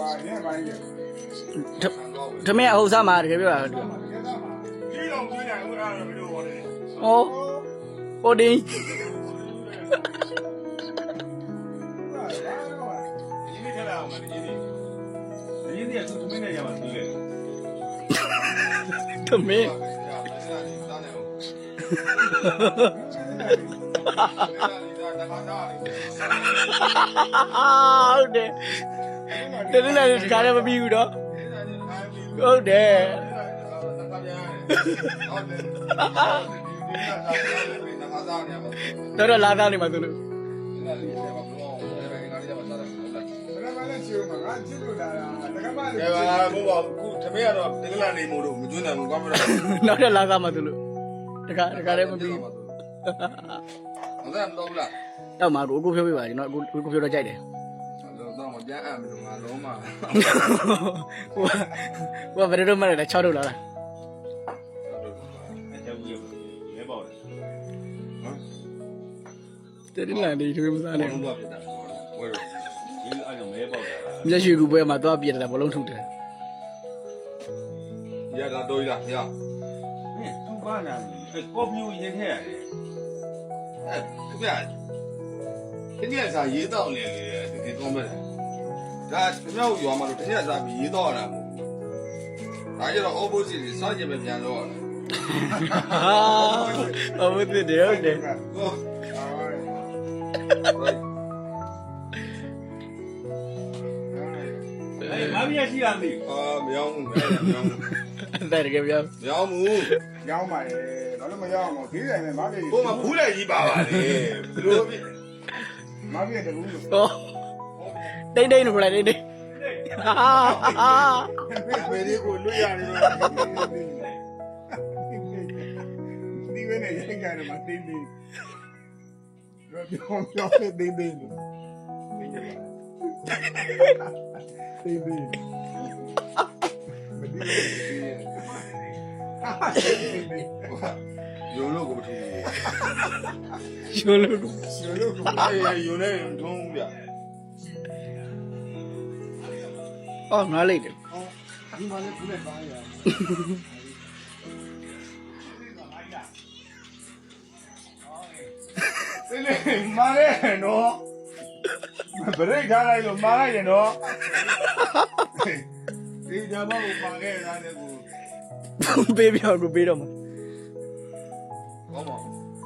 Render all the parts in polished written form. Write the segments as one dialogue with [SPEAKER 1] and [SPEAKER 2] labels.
[SPEAKER 1] ထမင်းအဟုတ်စားမှာတကယ်ပြောတာဟောဟိုတင်းထမင်းဟုတ်တယ်တနေ့လည်းဒီကားလည်းမပြီးဘူးတော့ဟုတ်တယ်တော့လာသားနေမှာသူလို့
[SPEAKER 2] ကဲပါဘုရားခုသမီးကတော့တကယ်နေမို့လို့မကျွန်းနိုင်ဘူးကွာမလား
[SPEAKER 1] နောက်တဲ့လာသားမှာသူလို့တကားလည်းမပြီး
[SPEAKER 2] ဟုတ်ကဲ့မတော်ဘူးလား
[SPEAKER 1] တော့မှာကိုဖြိုးပြပါကျွန်တော်ကိုဖြိုးတော့ကြိုက်တယ်
[SPEAKER 2] တော့မပြန်အပ်မလို့ငါလုံးမ
[SPEAKER 1] ဟိုဘယ်လိုမှလည်း6ထုတ်လာလားတဲ့ဒီလာနေထွေးမစားနဲ့မျက်ရွှေကူပွဲမှာသွားပြတယ်ဘလုံးထုတ်တယ်
[SPEAKER 2] ရတာတော့ရရ
[SPEAKER 3] သူပါနာကော်ဖီကိုရေးထည့်ရတယ်
[SPEAKER 2] တကယ်စားရေးတော့လေတကယ်ကောင်းမဲ့ဒါကျွန်တော်ရွာမှာတော့တကယ်စားပြီးရေးတော့ရတာမဟုတ်ဘူးဒါကြတော့ opposite စားကြပဲပြန်တော့ရ
[SPEAKER 1] တာဟုတ်တယ်ဟုတ်တယ်
[SPEAKER 3] မမရရှိရမည်
[SPEAKER 2] မရောဘူးမရောဘူး
[SPEAKER 1] တဲ့တကယ်ပြော
[SPEAKER 2] မရောဘူး
[SPEAKER 4] ရောင်းပါလေတော့လည်းမရောင်းအောင်ဈေးဆိုင်နဲ့မပြည့်
[SPEAKER 2] ဟိုမှာဘူးလည်းကြီးပါပါလေဘယ်လိုဖြစ်
[SPEAKER 4] မပြည့်တယ်ဘူးလို့
[SPEAKER 1] ဟောတိတ်တိတ်လို့လိုက်တိတ်တိတ်
[SPEAKER 4] ဖေးလေးကိုလွတ်ရတယ်ဒီဝဲနဲ့ရိုက်ကြတယ်မှာတင်းတင်းတော့ပြောတင်းတင်းတင်း
[SPEAKER 2] ရုံလို့ကိုမထူး
[SPEAKER 1] ရှုံးလို့
[SPEAKER 2] ရုံနဲ့ထုံးပြ
[SPEAKER 1] အော်ငါလိုက်တယ်
[SPEAKER 4] ဒီမှာလည်းခုနဲ့ပါရဒီလေမားရဲနော်ဘရိတ်ထားလိုက်လို့မားလိုက်ရင်တော့ဒီကြမ်းကိုမာခဲ့တာလည်းကို
[SPEAKER 1] ပေးပြောကိုပေးတော့မှာ
[SPEAKER 2] ဟုတ်ပါ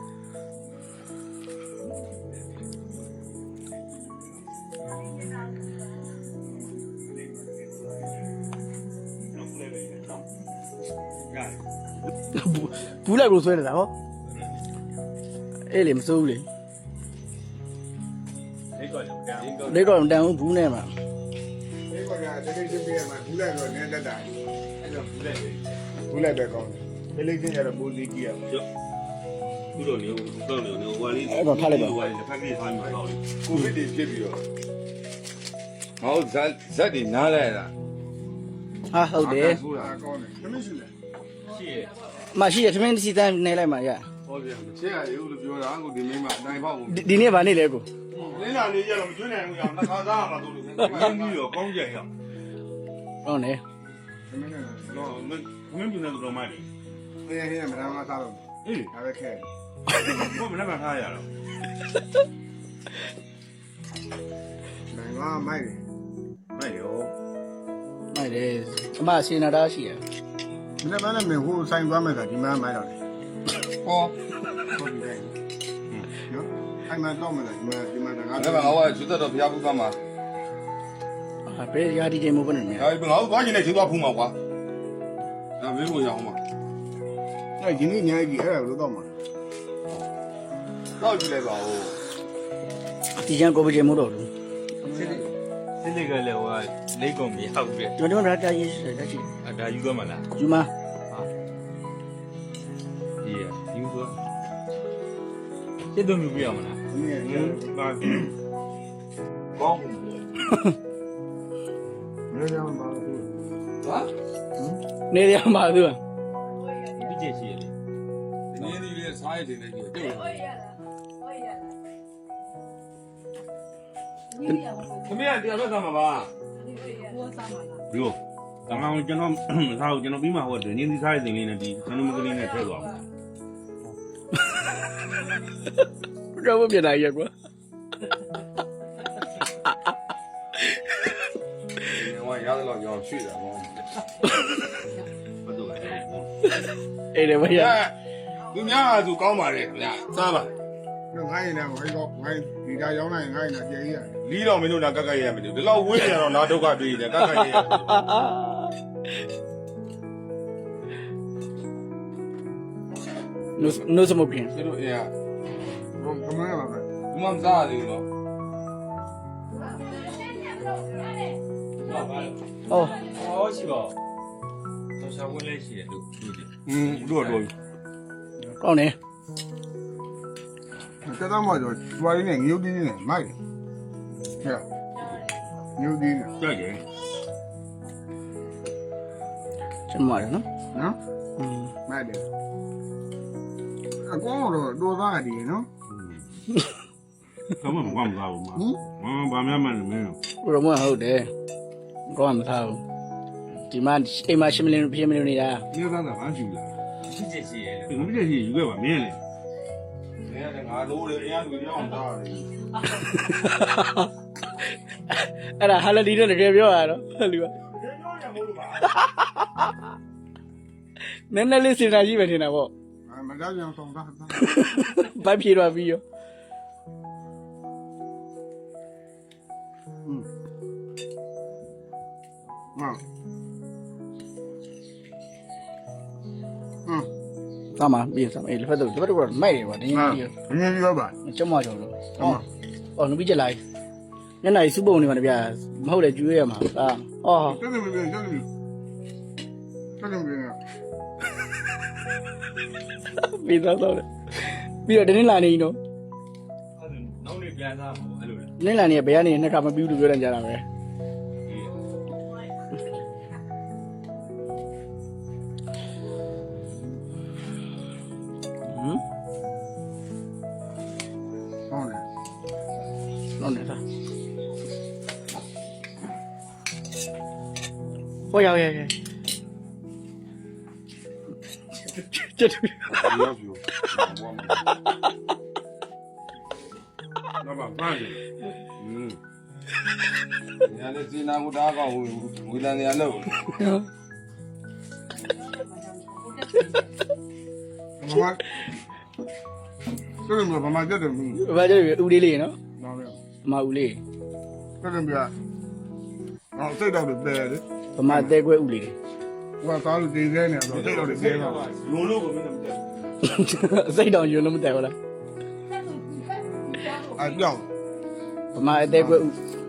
[SPEAKER 1] ဘူးလိုက်ကိုဆွဲနေတာဟောအေးလေမစိုးဘူးလေလေးတော့တန်ဘူးနဲ့မှာ
[SPEAKER 4] ဒီကတကယ်ချင်းပြရမှာဘူးလိုက်တော့နည်းတတ်တာအဲ့တော့ဘူးလိုက်ပဲကောင်းတယ်လေးချင်းရတော့ဘူးလေးကြည့်ရမှာ
[SPEAKER 3] ခုတော့နေတော့နေဟိုလေး
[SPEAKER 1] အဲ့တော့ထားလိုက်ပါ
[SPEAKER 3] ဟိုလေးတစ်ဖက်ကြီးထားမှာတော့
[SPEAKER 2] ကိုဗစ်တွေဖြစ်ပြီးတော့ဟောဇက်တွေနားလိုက်တာ
[SPEAKER 1] ဟာဟုတ်တယ်
[SPEAKER 4] ကောင်းတယ်သမီးရှိလဲ
[SPEAKER 3] ရှိရ
[SPEAKER 1] မရှိရခမင်းစီတန်းနေလိုက်မှာရ
[SPEAKER 2] ဟောပြန်ချက်ရရုပ်လို့ပြောတာကိုဒီမင်းမအနိုင်ပေါက်ကို
[SPEAKER 1] ဒီနေ့ဗာနေလေကို
[SPEAKER 2] လင်းလာနေရတော့မကျွန်းနိုင်ဘူးအောင်နှခါသားမှာတို့လို့
[SPEAKER 3] ရင်းပြီးတော့ကောင်းကြရအောင်
[SPEAKER 1] ဟုတ်နေ
[SPEAKER 4] သမီးနဲ့
[SPEAKER 3] တော့မင်းပြနေတော့မှတယ်
[SPEAKER 4] ဟင်းဟင်းမနာမသားတော့
[SPEAKER 3] အေး
[SPEAKER 4] ဒါပဲခဲ
[SPEAKER 3] ဘာမလဲမထားရတော့
[SPEAKER 4] နိုင်ပါမိုက်တယ်
[SPEAKER 3] မိုက်ရော
[SPEAKER 1] မိုက်တယ်အမစေနာတာရှိရ
[SPEAKER 4] ဒီနေ့မလည်းမဟိုဆိုင်သွားမယ်ဆိုဒီမှာမိုက်တော့တယ်
[SPEAKER 2] ဟော
[SPEAKER 4] ဟုတ်ပြီနော်အဲ့မှာတော့မယ်ဒီမှာငါ
[SPEAKER 2] အဲ့ဒါဟောကျွတ်တော့ဖျားဖူးသွားမှာ
[SPEAKER 1] ဘယ်ရာဒီချိန်မဟုတ်ဘူးနဲ့
[SPEAKER 2] ငါသွားကျင်နေကျွတ်သွားဖူးမှာကွာဒါမင်းကိုရအောင်ပါ
[SPEAKER 4] အဲ့ဒီနေ့ညကြီးအဲ့ဒါလို့တော့မှာ
[SPEAKER 2] တော့ကြည့်လိုက်ပါဦး
[SPEAKER 1] ဒီကျန်ကိုပချိန်မဟုတ်တော့ဘူး
[SPEAKER 3] စစ်စစ်ကလည်းဟိုလိတ်ကုန်မရောက်ပြ
[SPEAKER 1] ကျွန်တော်တို့ကရေးရှိတယ်ရှိ
[SPEAKER 3] တယ်ဒါယူသွားမလား
[SPEAKER 1] ယူမ
[SPEAKER 3] ဒီရယူသွားစစ်တော့မြူပြရမလား
[SPEAKER 4] ဒီနေ့
[SPEAKER 3] ပါကောင်း
[SPEAKER 4] နေရမှာဘူး
[SPEAKER 2] ဟာ
[SPEAKER 1] နေရမှာသူက
[SPEAKER 3] ဒီကျရှိရလေ
[SPEAKER 2] ဒီနေ့ဒီလေးစားရတဲ့နေကြီးတွေ့
[SPEAKER 3] ခမရတရားဘက်ကမှာပါဒီလိုအကောင်ကျွန်တော်စားကိုကျွန်တော်ပြီးမှဟောတယ်နင်းဒီစားရတဲ့လေးနဲ့ဒီဆန်နမကလေးနဲ့ထည့်သွားမှာ
[SPEAKER 1] တော့မပြနိုင်ရကွာ
[SPEAKER 2] 我伢子老娘去的，
[SPEAKER 3] ဘာလို့လဲ
[SPEAKER 1] အေးတယ်မရ
[SPEAKER 2] 你伢就搞嘛的，伢咋吧？
[SPEAKER 4] တော့ငိုင်းနေငိုင်းတော့ငိုင်းဒီကရောင်းလိုက်ငိုင်းနေကြေးရတယ်
[SPEAKER 2] 离了没有那嘎嘎也没有，这老危险了，拿头嘎对的，嘎嘎也。
[SPEAKER 1] နိုးစမုတ်ပြင်
[SPEAKER 2] 这都呀，
[SPEAKER 4] ဘုံကမန်းလာပဲ
[SPEAKER 2] 我们咋的了？
[SPEAKER 1] ဟော
[SPEAKER 3] ဟောရှိပါတော့ရှာဝင်လေးရှိတယ်လို့ပြောတယ်
[SPEAKER 2] 多多。
[SPEAKER 1] ကောင်းတယ်
[SPEAKER 4] တက်တော့မှဆိုကျွားရင်းနဲ့ငရုတ်တင်းနဲ့မိုက်တယ်ဟဲ့ငရုတ်တင်းနဲ့
[SPEAKER 3] ကြိုက်တယ်
[SPEAKER 1] ကျွန်မရနော်
[SPEAKER 4] နော်
[SPEAKER 1] อืม
[SPEAKER 4] မိုက်တယ်အကောတော့တော်သားတယ်နော်
[SPEAKER 3] ကမ္ဘာမကွာမလာဘူးမဘာမှမမင်း
[SPEAKER 1] ဘရမဟုတ်တယ်ကောင်းမှာမသားဘူးဒီမှာအိမ်မှာ10 million ပြည့် million နေတာ
[SPEAKER 3] မြေသားကဘာရှိလားရှိချက်ရှိရဲ့ငါပြည့်ရှိယူခဲ့ပါမင်းလေ
[SPEAKER 2] 人家这俺楼里，人家都这样大的。
[SPEAKER 1] အဲ့ဒါဟာလဒီနဲ့တကယ်ပြောရတော့ဟဲ့လူကနည်းနည်းလေးစဉ်းစားကြည့်ပဲထင်တာပေါ့
[SPEAKER 4] မကြောက်ကြအောင်ဆောင်သား
[SPEAKER 1] ဘိုက်ပြေတော့ပြီးရော သားမပြီးစမ်းအေးလက်ဖက်တော့မိုက်တယ်ကွာတင်းကြီးကြီး
[SPEAKER 4] ငင်းပြောပါ
[SPEAKER 1] ကျမကြော်လို့အော်နူပြီးချက်လိုက်ညနေစုပုံနေမှာတပြားမဟုတ်လေကျွေးရမှာအာအော်
[SPEAKER 4] တက်တယ်မပြောတက်တယ်
[SPEAKER 1] ပြီးတော့တော့ပြီးတော့တင်းလာနေနော်
[SPEAKER 3] နောက်နေ့ပြန်စားဖို့အဲ့လိုလေ
[SPEAKER 1] တင်းလာနေဘယ်ကနေနှစ်ခါမပြီးလို့ပြောတယ်ကြတာပဲ
[SPEAKER 4] ဟုတ်တယ်
[SPEAKER 1] နော်နေတာဟိုရောက်ရဲ့ကျတူ
[SPEAKER 2] 不要求，我们。
[SPEAKER 3] တော့ဘာမှန်းတယ်
[SPEAKER 2] 人家这济南不打高，为了人家楼。
[SPEAKER 4] ဘာမှတက်တယ်မင်း
[SPEAKER 1] ဘာကြည့်ဦးလေးလေးနော်
[SPEAKER 4] နော်
[SPEAKER 1] အမဦးလေး
[SPEAKER 4] တက်တယ်ပြအော်စိတ်တော့တယ်တယ်
[SPEAKER 1] ဗမာတဲခွဲဦးလေး
[SPEAKER 4] ဟိုသားလို့တင်ခဲနေတော့စိတ်တော့တယ်တယ်တော့
[SPEAKER 2] 用路我们怎么的？
[SPEAKER 1] စိတ်တောင်ယွန်းလို့မတဲဘူးလား
[SPEAKER 4] အကြောင်း
[SPEAKER 1] ဗမာအတဲခွဲဦး